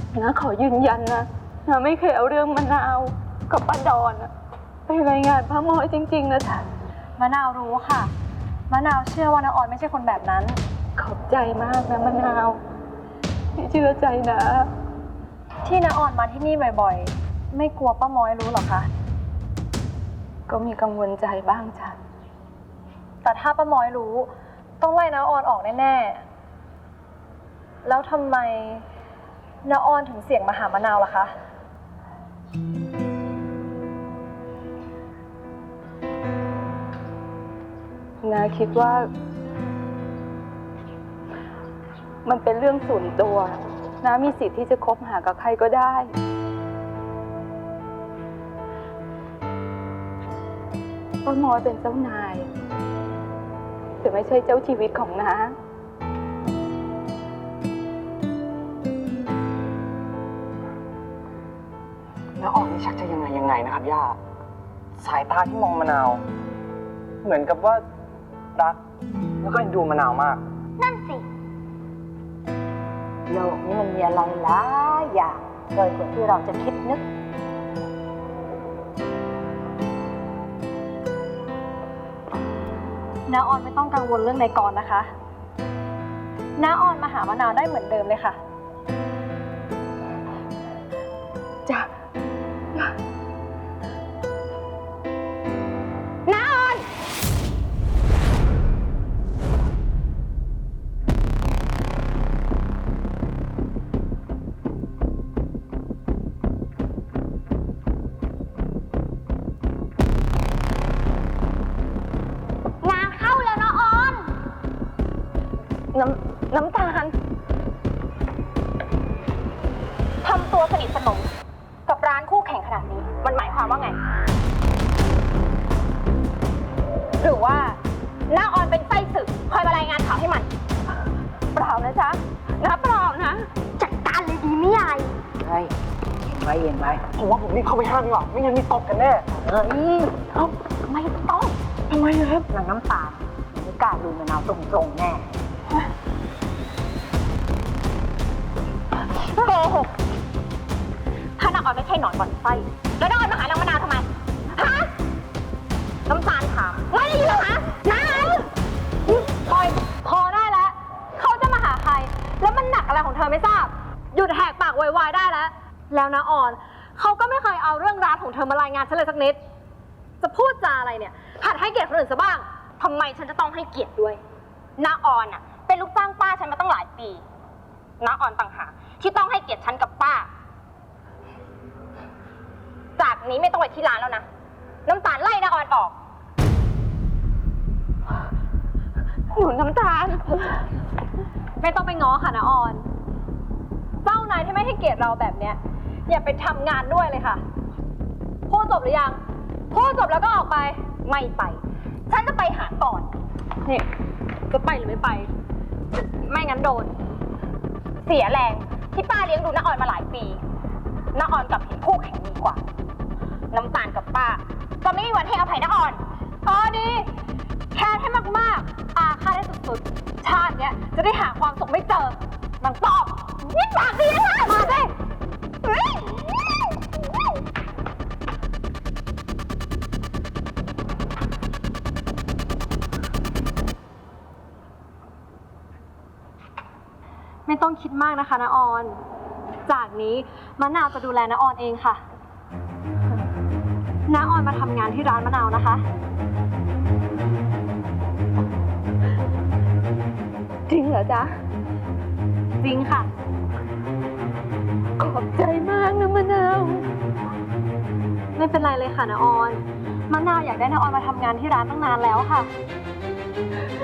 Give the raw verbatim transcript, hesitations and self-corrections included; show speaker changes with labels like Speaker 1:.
Speaker 1: นะขอยืนยันนะนะไม่เคยเอาเรื่องมะนาวกับป้าดอนไปรายงานพระมอยจริงๆนะจ๊ะ
Speaker 2: มะนาวรู้ค่ะมะนาวเชื่อว่าน้าออนไม่ใช่คนแบบนั้น
Speaker 1: ขอบใจมากนะมะนาวที่เชื่อใจนะ
Speaker 2: ที่น้าออนมาที่นี่บ่อยๆไม่กลัวป้าม้อยรู้หรอคะ
Speaker 1: ก็มีกังวลใจบ้างจ้ะ
Speaker 2: แต่ถ้าป้าม้อยรู้ต้องไล่น้าออนออกแน่ๆแล้วทำไมน้าออนถึงเสี่ยงมาหามะนาวล่ะคะ
Speaker 1: นาคิดว่ามันเป็นเรื่องส่วนตัวน้ามีสิทธิ์ที่จะคบหากับใครก็ได้ป้าม้อยเป็นเจ้านายแต่ไม่ใช่เจ้าชีวิตของน้า
Speaker 3: แล้วออกนี่ชักจะยังไงยังไงนะครับย่าสายตาที่มองมะนาวเหมือนกับว่ารักแล้วก็เอ็นดูมะนาวมาก
Speaker 4: นั่นสิโลกนี้มันมีอะไรหลายอย่างเกินกว่าที่เราจะคิดนึก
Speaker 2: น้าออนไม่ต้องกังวลเรื่องนายกรนะคะน้าออนมาหามะนาวได้เหมือนเดิมเลยค่ะ
Speaker 1: จ้ะ
Speaker 4: น้าออนงานเข้าแล้วนะออน
Speaker 1: น้ำน้ำตาล
Speaker 2: ทำตัวสนิทสนมกับร้านคู่แข่งขนาดนี้มันหมายความว่าไงหรือว่าน้าออนเป็นไส้ศึกคอยมารายงานข่าวให้มัน
Speaker 1: เปล่านะจ๊ะนะเปล่านะ
Speaker 4: จัดการเลยดีไม่ใหญ่
Speaker 3: ใช่เย็นไว้เย็นไว้ผมว่าผมรีบเข้าไปห้ามดีกว่าไม่งั้นมีตบกันแน่
Speaker 4: เฮ้ยเอาไม่ต้อง
Speaker 3: ทำไมครับ
Speaker 4: นางน้ำตาลไม่กล้าดูมะนาวตรงๆแน่โกหกถ้านางออนไม่ใช่หนอนบ่อนไส้แล้วนางออนมาหานางมะนาวทำไมฮะน้ำตาลถามไม่ได้ยินเหรอคะนาง
Speaker 2: พอยพอได้แล้วเขาจะมาหาใครแล้วมันหนักอะไรของเธอไม่ทราบหยุดแหกปากวายๆได้แล้วแล้วน้าออนเขาก็ไม่เคยเอาเรื่องร้านของเธอมารายงานฉันเลยสักนิดจะพูดจาอะไรเนี่ยหัดให้เกียรติคนอื่นซะบ้างทำไมฉันจะต้องให้เกียรติด้วยน้าออนอะเป็นลูกจ้างป้าฉันมาตั้งหลายปีน้าออนต่างหากที่ต้องให้เกียรติฉันกับป้าจากนี้ไม่ต้องไปที่ร้านแล้วนะน้ำตาลไล่น้าออนออก
Speaker 1: หนูน้ำตาล
Speaker 2: ไม่ต้องไปง้อค่ะน้าออนเจ้านายที่ไม่ให้เกียรติเราแบบเนี้ยอย่าไปทำงานด้วยเลยค่ะพูดจบหรือยังพูดจบแล้วก็ออกไปไม่ไปฉันจะไปหาก่อนนี่จะไปหรือไม่ไปไม่งั้นโดนเสียแรงที่ป้าเลี้ยงดูน้าออนมาหลายปีน้าออนกลับเห็นคู่แข่งดีกว่าน้ำตาลกับป้าก็ไม่มีวันให้อภัยน้าออนอ๋อดีแค่ให้มากๆอาฆาตได้สุดๆชาติเนี้ยจะได้หาความสุขไม่เจอมันตอบนี่ปากดีนะมาสิไม่ต้องคิดมากนะคะน้าออนจากนี้มะนาวจะดูแลน้าออนเองค่ะน้าออนมาทำงานที่ร้านมะนาวนะคะ
Speaker 1: จริงเหรอจ๊ะ
Speaker 2: จริงค่ะ
Speaker 1: ขอบใจมากนะมะนาว
Speaker 2: ไม่เป็นไรเลยค่ะน้าออนมะนาวอยากได้น้าออนมาทำงานที่ร้านตั้งนานแล้วค่ะ